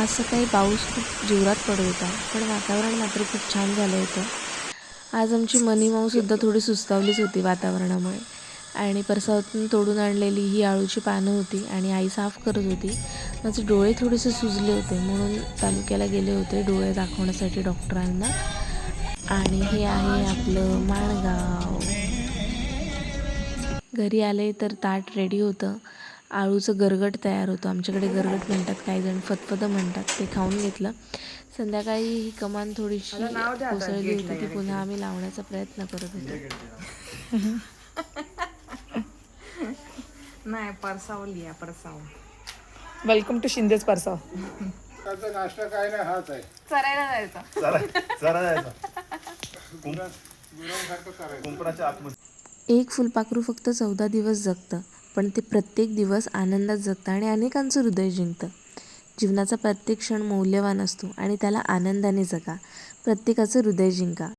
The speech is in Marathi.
आज सकाळी पाऊस खूप जोरात पडत होता, पण वातावरण मात्र खूप छान झालं होतं. आज आमची मनी माऊसुद्धा थोडी सुस्तावलीच होती वातावरणामुळे. आणि परसावातून तोडून आणलेली ही आळूची पानं होती आणि आई साफ करत होती. माझे डोळे थोडेसे सुजले होते म्हणून तालुक्याला गेले होते डोळे दाखवण्यासाठी डॉक्टरांना. आणि हे आहे आपलं माणगाव. घरी आले तर ताट रेडी होतं. आळूचं गरगट तयार होतं. आमच्याकडे गरगट म्हणतात, काही जण फतफदं म्हणतात. ते खाऊन घेतलं. संध्याकाळी ही कमान थोडीशी कोसळली होती, ती पुन्हा आम्ही लावण्याचा प्रयत्न करत होतो. नाही, परसाव लिहा परसाव. Welcome to शिंदेच परसाव. नाश्ता काय नाही, हाच आहे. चरायला जायचं. कुंपणाच्या आतमध्ये. एक फुलपाखरू फक्त 14 दिवस जगतं, पण ते प्रत्येक दिवस आनंदात जगतं आणि अनेकांचं हृदय जिंकतं. जीवनाचा प्रत्येक क्षण मौल्यवान असतो आणि त्याला आनंदाने जगा. प्रत्येकाचं हृदय जिंका.